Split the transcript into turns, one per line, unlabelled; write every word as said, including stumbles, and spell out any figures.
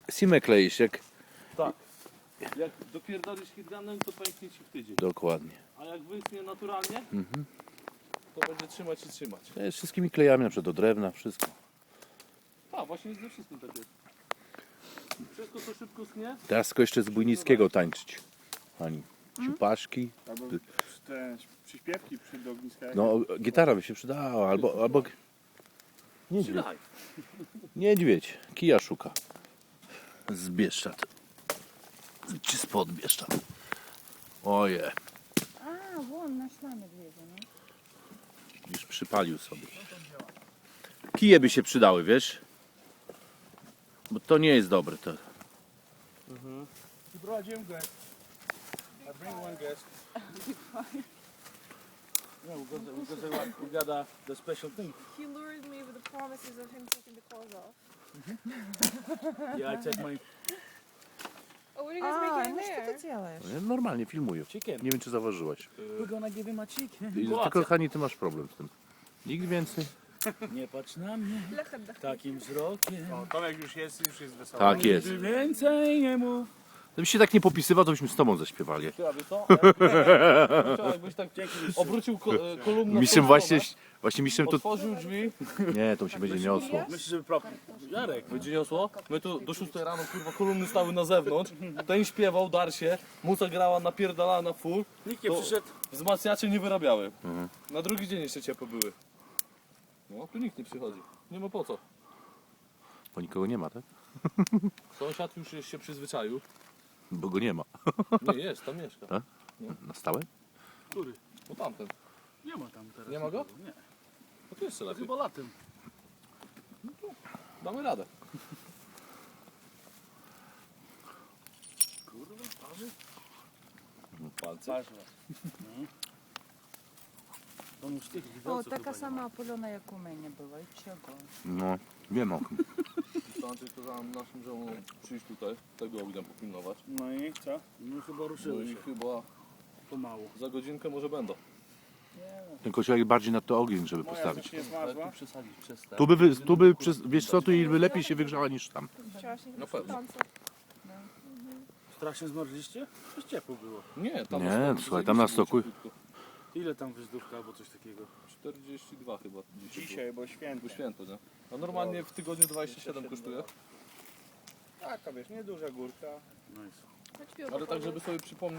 simę kleisz, jak...
Tak. Jak dopierdolisz hitgunem, to pęknie ci w tydzień.
Dokładnie.
A jak wyschnie naturalnie,
Mhm.
to będzie trzymać i trzymać.
To jest wszystkimi klejami, na przykład do drewna, wszystko.
A, właśnie ze wszystkim tak jest. Wszystko co szybko schnie,
Teraz tylko jeszcze z Bujnickiego tańczyć. Ani. Ciupaszki.
Albo te przyśpiewki przy ogniska.
No, gitara by się przydała, albo... albo... Niedźwiedź.
przylaj.
Niedźwiedź. Kija szuka. Z Bieszczad. Czy spod Bieszczad. Oje.
A, won, našla medvědě, no.
Już przypalił sobie. Kije by się przydały, wiesz? Bo to nie jest dobre. To...
You brought Jim good. I bring one guest.
No, because, because they want, we got uh, the special thing.
He lured me with the promises of him taking the clothes off.
Yeah, I take my
Oh, what are you guys
A,
making in
no co
there?
ty děláš?
Ja normalnie filmuję.
chicken.
Nie wiem, czy zauważyłaś.
We're gonna give him a chicken.
I tylko, Hani, ty masz problem z tym. Nikt więcej.
Nie patrz na mnie takim wzrokiem.
O, Tomek już jest, już jest wesoły.
Tak jest.
Nigdy więcej nie mów.
Gdybyś się tak nie popisywał, to byśmy z tobą zaśpiewali.
Ty, a wiesz co? Jakbyś tak obrócił ko- e, kolumnę.
Mistrzem
w tą
właśnie,
stronę,
właśnie mistrzem to...
otworzył drzwi.
Nie, to się będzie niosło.
Myślisz, żeby prop... Jarek, będzie niosło? My tu do szóstej rano, kurwa, kolumny stały na zewnątrz. Ten śpiewał, dar się, muza grała, napierdalała na full.
Nikt nie
To
przyszedł.
wzmacniacze nie wyrabiały. Na drugi dzień jeszcze ciepłe były. No, tu nikt nie przychodzi. Nie ma po co.
Bo nikogo nie ma, tak?
Sąsiad już jest się przyzwyczaił.
Bo go nie ma.
Nie, jest, tam mieszka.
Tak? Na stałe?
Który?
No tamten.
Nie ma tam teraz.
Nie ma go?
Nie.
No to jeszcze
To
lepiej.
chyba latem.
Damy radę.
Kurwa, parzy?
Palce.
Parzy was. No. On już tych
О,
widelców
така
chyba nie
сама опульона, як у мене була. І чого?
No, wiem o tym.
To Andrzej kazał naszym żołom przyjść tutaj, tego ognia popilnować.
ma. No i co? No chyba
No
ruszyły
i
się.
chyba
Pomału.
za godzinkę może będą.
Ten kociołek bardziej na to ogień, żeby
Moja
postawić.
coś nie
Ale
zmarzła.
tu przesadzić przez te.
Tu by, wy- tu by przez, wiesz co, tu by lepiej się wygrzała niż tam.
Wczorajszych
Na pewno.
tancer.
Strasznie zmarzliście? Coś ciepło było.
Nie, tam
Nie,
na stoku,
słuchaj, tam na
zajebiście
stoku-
było cieplutko.
Ile tam wyzdówka albo coś takiego?
czterdzieści dwa chyba dzisiaj.
Dzisiaj, bo święto.
Było święto, nie? A normalnie w tygodniu dwadzieścia siedem kosztuje.
Taka wiesz, nieduża górka. Nice.
Chodź piwo
Ale tak,
popróbuj.
żeby sobie przypomnieć.